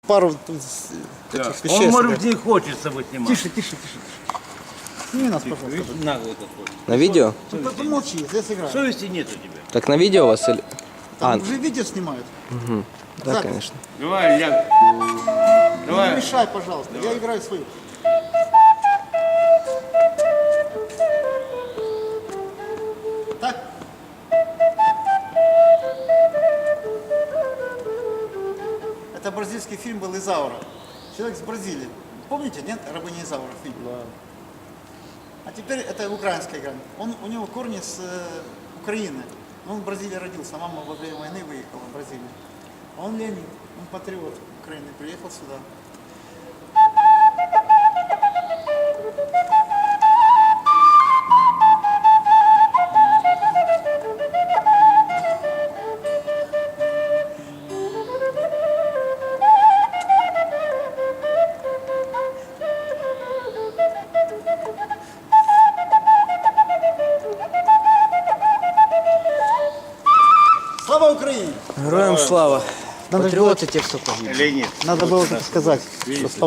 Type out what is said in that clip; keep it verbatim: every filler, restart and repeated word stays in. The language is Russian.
пару тут с- Да. таких вещей. Он, может собрать. быть, не хочет с собой снимать. Тише, тише, тише. Сними нас, пожалуйста. Видишь, наглый такой. На видео? Ну, ты помолчи, здесь играем. Совести нет у тебя. Так на видео у вас или... Там А, уже видео снимают. да, запись. конечно. Давай, ляг. Не Давай. мешай, пожалуйста, я играю свою. Так? Это бразильский фильм был «Изаура». Человек с Бразилии. Помните, нет? «Рабыня Изаура» фильм. А теперь это украинская игра. Он, у него корни с э, Украины. Но он в Бразилии родился, мама во время войны выехала в Бразилию. А он Леонид, он патриот Украины, приехал сюда. Слава Украине! Героям слава. Надо Патриоты те, кто погиб. Или нет? Надо было так сказать. что